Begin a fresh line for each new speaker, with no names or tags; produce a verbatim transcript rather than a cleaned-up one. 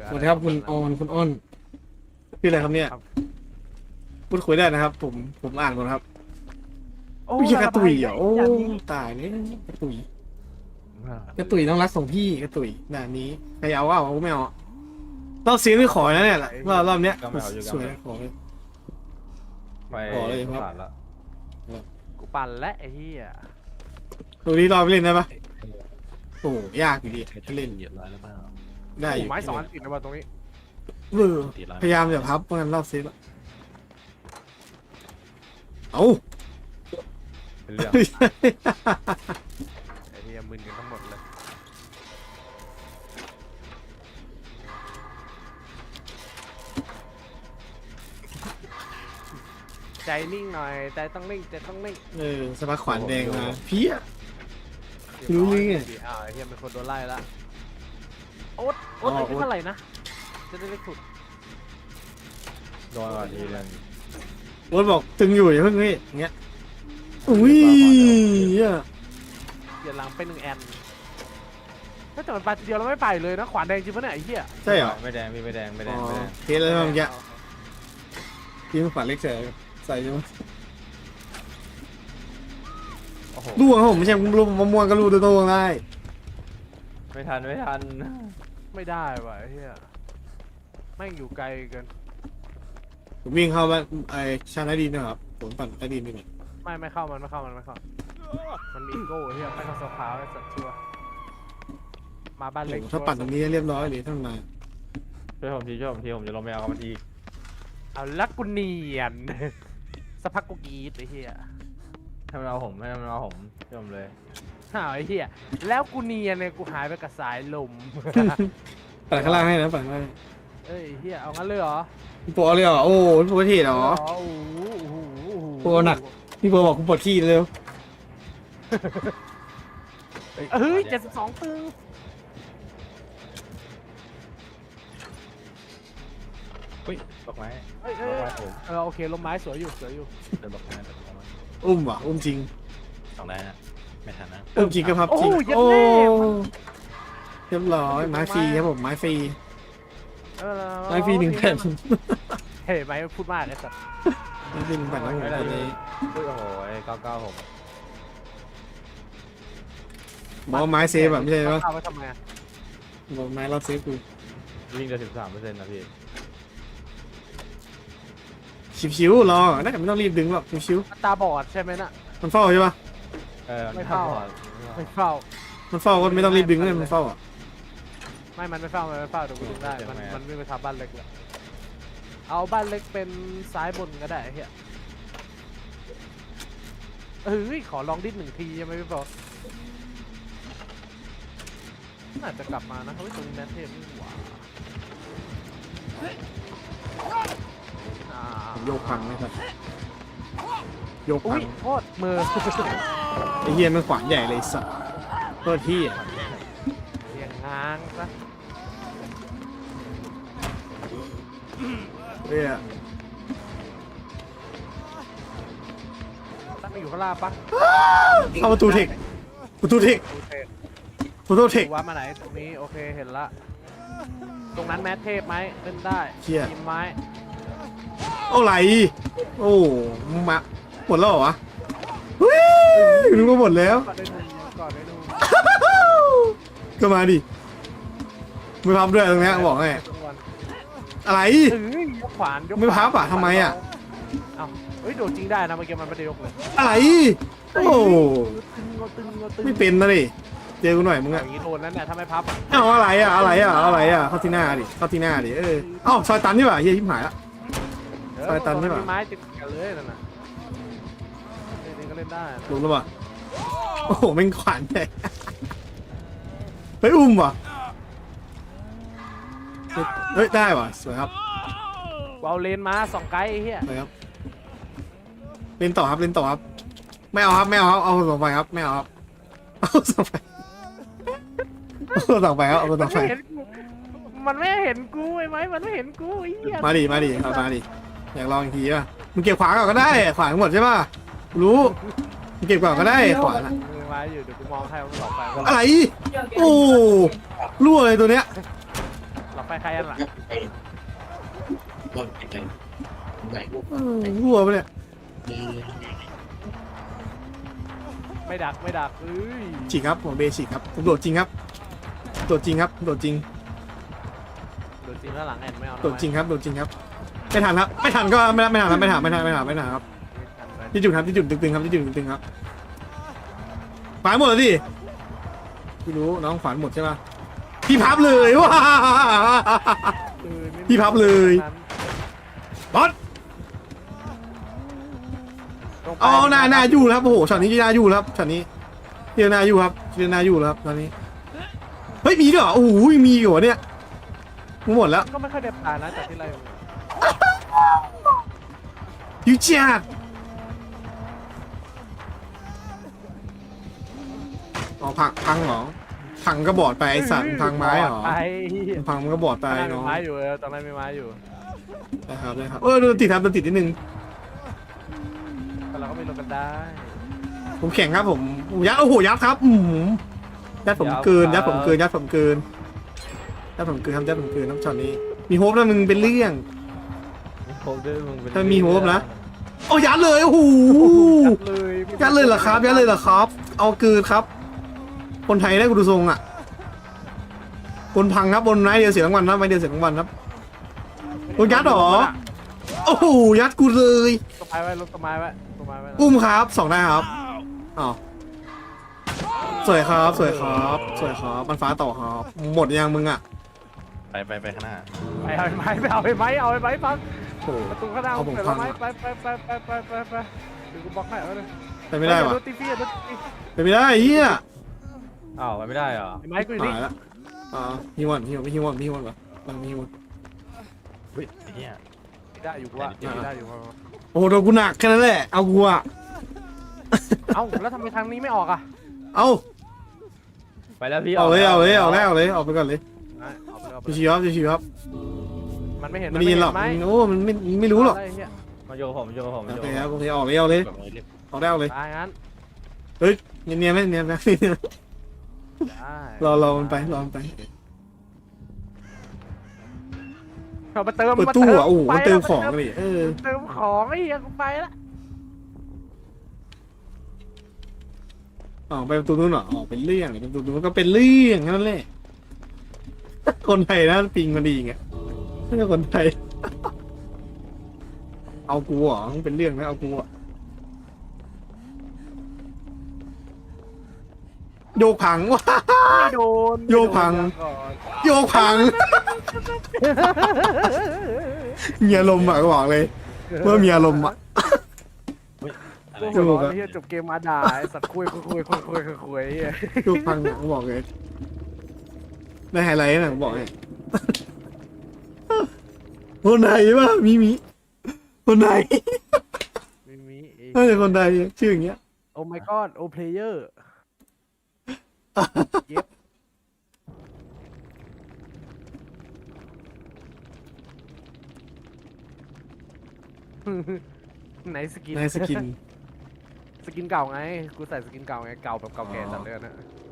สวัสดีครับคุณออนคุณอ้นชื่ออะไรครับเนี่ยพูดคุยได้นะครับผมผมอ่านก่อนครับ
โอ้
ไม่ใช่กระตุยเหรอโอ้
ย่างนี้
ตายเลยกระตุยกระตุยต้องรักส่งพี่กระตุยด่านนี้ใครเอาว่าเอาไม่เอารอบซีรีส์ขอนะเนี่ยรอบรอบเนี้ยสวยขอเลย
ไป
ขอเลยครับ
ผ่านละ
กูปั่นและไอ้เหี้ย
ตัวนี้รอบเล่นได้ปะโอ้ยากอยู่ดีถ้าเล่น
เหยียบร้อยแล้วเปล่า
ได้อยู่
ไม้สองอันติดนะว่าตรงนี้
เออพยายามอย่าพับเพราะงั้นรอบซีรีส์เอ้า
เป็นเรื่อง
ไอ้เหี้ยมึนกันทั้งหมดเลยใจนิ่งหน่อยใจต้องนิ่งใจต้องนิ่ง
เออสปาขวานแดงมาเพี้ย รู้เรื่องไง
อ้าวไอ้เหี้ยเป็นคนโดนไล่ละโอ๊ตโอ๊ตอายุเท่าไหร่นะจะได้เล็กสุด
โดนก่อนทีนึง
รถบอกตึงอยู่อย่าเพิ่งนี่อย่างเงี้ยอุ้ยเนี่ย
เดี๋ยวหลังเป็นหนึ่งแอนถ้าแต่มันไปทีเดียวเราไม่ไปเลยนะขวานแดงจริงปะเนี่ยไอ้เหี้ย
ใช่เหรอ
ไม่แดงพี่ไม่แดงไม่แด
อ๋
ง
อ
ไม่แดง
เทสแล้วเมื่อกี้ทีมขวานเล็กใส่ใส่ใช่ไหม
โอ้โห
ลูกของผมไม่ใช่ลูกมะม่วงก็ลูกตัวโตได้
ไม่ทันไม่ทัน
ไม่ได้ว่ะไอ้เหี้ยแม่งอยู่ไกลเกิน
ผมวิ่งเข้าบ้านไอ้ชาใต้ดินนะครับผมปั่นใต้ดินนี่นี่
ไม่ไม่เข้ามันไม่เข้ามันไม่เข้ามันมีอีโก้เฮียไม่เข้าโซฟาไอ้สัตว์ชัวร์มาบ้านเล็ก
ถ้าปั่นตรงนี้เรียบร้อยเลยท่านมา
ช่วยผมทีช่วยผมทีผมจะลงไปเอากับมันอีก
เอาลักกูเนียน สักพักกูกรีดไอ้เฮีย
ให้มันเอาผมให้มันเอาผมช่วยผมเลย
อ้าวไอ้เฮียแล้วกูเนียนเนี่ยกูหายไปกับสายลม
ปั่นข้างล่างให้นะปั่นข้างล่าง
เอ้ยเฮียเอางั้นเลยเหรอ
พี่โปเอาเลยเหรอโอ้พี่โปเท่เหรอ
โอ้โหโอ้โหโอ้โห
โปหนัก พี่โปบอกกูปวดขี้เร็ว
เฮ้ยเจ็ดสิบสองตึง
เฮ้ยดอกไม้
เอ้ย
ด
เอ้
อก
ย
ไม้ผม
เออโอเคลมไม้สวยอยู่สวยอยู่
เดินดอกไม้เดินดอกไม้
อุ้มว่ะอุ้มจริง
สองได้นะไม่ทันนะ
อุ้มจริงก็พับ
โอ้
จริง
ยยัด
โอ้
แน่
เรียบร้อยไม้ฟรีครับผมไม้ฟรี
เออ
ไม้ฟรีหนึ่งแผ่น
เฮ้ยไม้พูดมากไอ้สัตว์
ไม้ฟรีหนึ่งแผ่นแล้วผมตอนนี้
เฮ้ยโอ้โหเก้าเก้าผม
บอกว่าไม้เซฟแบบไม่ใช่ปะ
เอาไว้ทำไมอะ
บอกไม้รอบเซฟกู
วิ่งเดือนสิบสามเปอร์เซ็นต์นะพี่
ชิวๆรอน่าจะไม่ต้องรีบดึงหรอกชิว
ตาบอดใช่ไหมน่ะ
ๆมันเฝ้าใช่ปะ
เออ
ไม่เข้า
ก่อน
ไม่เฝ้า
มันเฝ้าก็ไม่ต้องรีบดึงเลยมันเฝ้าอ่ะ
ไม่ มันไม่เฝ้ามันไม่เฝ้าเดี๋ยวกูดึงได้ มันมันวิ่งไปทำบ้านเล็กแล้วเอาบ้านเล็กเป็นซ้ายบนก็ได้ไอ้เฮียเฮ้ยขอลองดิ้นหนึ่งทียังไม่พอน่าจะกลับมานะเฮ้ยตรงนี้แมทเทพนี่หว่าอ่า
โยกพังนะครับโยก
อุ้
พั
ย
ง
โทษมือ
ไอ้เฮียมันขวานใหญ่เลยสัตว์โทษที่อ่ะ
เรียงง้างซะ
เฮ้ย
ตั้งอยู่ข้างล่างปะ
เข้าประตูเทคประตูเทค
โอเค
ประตูเทค
ดูว่ามาไหนตรงนี้โอเคเห็นละตรงนั้นแมทเทพไหมเล่นได้
เชี่ย
ทีมไม้
เอาไหลโอ้มาหมดแล้วเหรอวะเฮ้ยนึกว่าหมดแล้ว
ก่อนได้ดูก่อนได้ดู
ก็มาดิไม่พับด้วยตรงเนี้ยบอกไงอะไร
เอ้ยยกขวานยก
ไม่พับอ่ะทำไมอ่ะ
เอ้าเฮ้ยโดดจริงได้นะเมื่อกี้มันไม่ได้ยกเลย
อะไรโอ้
ตึงงอตึงงอตึง
ไม่เป็นนะดิเจอกูหน่อยมึง
อ
อ่ะ
ย่างนี้โดนแล้วเนี่ยถ้าไม่พับอ่ะ
เอาอะไรอ่ะอะไรอ่ะอะไรอ่ะเข้าที่หน้าดิเข้าที่หน้าดิเออเอ้าซอยตันนี่หว่าเฮียชิบหายละ
เออ
ซอยตันนี่หว่า
มีไม้ติดกันเลยนั่นน่ะจริงๆก็เล่นได้นะ
รู้แล้วป่ะโอ้โหแม่งขวานใหญ่เฮ้ยอุ้มว่ะเฮ้ยได้ว่ะสวยครับ
กูเอาเลนมาสองไกด์ไอ้เหี้ย
สวยครับเล่นต่อครับเล่นต่อครับไม่เอาครับไม่เอาครับเอาสองไฟครับไม่เอาครับเอาสองไฟเอาสองไฟครับเอาสองไฟ
มันไม่เห็นกูมันไม่เห็นกูไอ้ไหมมันไม่เห็นกูไอ้เหี้ย
มาดิมาดิเอามาดิอยากลองอีกทีป่ะมึงเก็บขวานก่อนก็ได้ขวานหมดใช่ป่ะรู้มึงเก็บก่อนก็ได้ขวานอะ
มือไม้อยู่เดี๋ยวกูมองให้มันหลอกไป
อะไรโอ้รั่วเลยตัวเนี้ย
หลอกไปใครอันหลัง
เออรั่วปะเนี่ย
ไม่ดักไม่ดักเอ้ย
ฉีกครับผมเบฉีกครับผมโดดจริงครับโดดจริงครับโดดจริง
โดนจริงแล้วหลังแอนไม่เอา
โดดจริงครับโดดจริงครับไม่ทันครับไม่ทันก็ไม่ไม่ทันครับไม่ทันไม่ทันไม่ทันไม่ทันครับที่จุดครับที่จุดตึงๆครับที่จุดตึงๆครับขวานหมดแล้วดิพี่รู้น้องขวานหมดใช่ปะพี่พับเลยว้าพี่พับเลยบอสอ๋อหน้าหน้าอยู่แล้วโอ้โหช็อตนี้หน้าอยู่แล้วช็อตนี้เฮียหน้าอยู่ครับเฮียหน้าอยู่แล้วครับตอนนี้เฮ้ยมีด้วยเหรอโอ้โหมีอยู่เนี่ยหมดแล้ว
ก็ไม่ค่อยเด็ดผ่านนะจากที่ไร
ยูจัดอ๋อพังพังเหรอพังก็บอดไปไอสัตว์พังไม้เหรอ
ไป
พังมันก็บอดไป
ตอนนั้นมี
เนาะ
ไม้อยู่เออตอนนั้นมีไม้อยู่
นะครับได้ครับเออโดนติดครับโดนติดนิดนึง
แต่เราก็ไม่ลงกันได้
ผมแข่งครับผมผมยัดโอ้โหยัดครับอืมยัดผมเกินยัดผมเกินยัดผมเกินยัดผมเกินครับยัดผมเกินน้ำช็อตนี้มีโฮปแล้วมึงเป็นเรื่อง
มีโฮปด้วยมึงเป็น
ถ้ามีโฮปนะโอ้ยัดเลยโอ้โห
ยัดเลย
ยัดเลยเหรอครับยัดเลยเหรอครับ เอาเกินครับ คนไทยได้กูดูทรงอ่ะบนพังครับบนไม้เดียวเสียรางวัลนะไม้เดียวเสียรางวัลครับโดนยัดเหรอโอ้โหยัดกูเลย
ต้นไม้ไว้ลงต้นไม้ไว้ต้นไม้ไว้นะ
อุ้มครับสองได้ครับอ้าวสวยครับสวยครับสวยครับมันฟ้าต่อครับหมดยังมึงอ่ะ
ไปไปไปข้างหน้า
ไปเอาไม้ไปเอาไม้เอาไม้ฟัง
โอ้โห
ประตูข้างหน้า
เอาผม
เปิด
ฟัง
ไม้ไปไปไปไปไปไปไปเดี๋ยวกูบล็อกให้เอาเลย
ไปไม่ได้วะ
โดนตีฟี่โดนตี
ไปไม่ได้เฮีย
อ้าวไปไม่ได้เหรอ
ไม้กูอยู่นี่
หายละอ่าฮิวันฮิวันไม่ฮิวันไม่ฮิวันวะไม่ฮิวัน
เฮ้ยไอ้เหี้ย
ได้อยู่ว่าได้อยู่ว่า
โอ้โหโดนกูหนักแค่นั้นแหละเอากูอ่ะ
เอ้าแล้วทำไมทางนี้ไม่ออกอ่ะ
เอา
ไปแล้วพี่
เอาเลยเอาเลยเอาเลยเอาเลยเอาไปก่อนเลย
เอาไปเอาไป
ชิวๆครับชิวๆครับ
มันไม่เห็น
มันไม่ยินหรอก
ไหม
โอ้มันไม่ไม่รู้หรอก
ะไเหี้ย
มาโยกับผมมาโยกับผมมา
โอ
โย
เค
กับ
ครับ
ผม
โอเคออกเลยเอาเลยเอาเลย
แบบนี้รีบ
ออกได้เอาเลย
ตายงั้น
เนียนๆไหมเนียนไหม
ได้
รอรอมันไปรอมันไป
เอามาเติม
เปิด
มา
ตู้
เติม
อ่ะโอ้โห
ไป
มันเติม
แล้ว
ของเลยเออ
เติมของไอ้เหี้ยกูไปละ
ออกไปประตูนู้นเหรอออกเป็นเรื่องประตูนู้นก็เป็นเรื่องแค่นั้นแหละคนไทยนะปิงมันดีไงไม่ใช่คนไทย เอากูเหรอมันเป็นเรื่องนะเอากูอ่ะโยกผังว้า
ไม่โดน
โยกพัง
ไม่โดนก่อน
โยกผังมีอารมณ์อ่ะก็บอกเลยเมื่อมีอารมณ์อ่ะ
อะไร
โอ้โหไอ้เหี้ยจบเกมมาด่าไอ้สัตว์คุยคุยคุยคุยคุยคุยคุยไอ้เหี้ย
โยกผังอ่ะก็บอกเลยได้ไฮไลท์นะผมบอกให้คนไหนวะมีมีคนไหน
ไม่มีไอ้
น่าจะคนใดชื่ออย่างเงี้ย
โอ้ my god โอ้ player เย็บไหนสกิน
ในสกิน
สกินเก่าไง กูใส่สกินเก่าไง เก่าแบบเก่าแก่จัดเลยนะ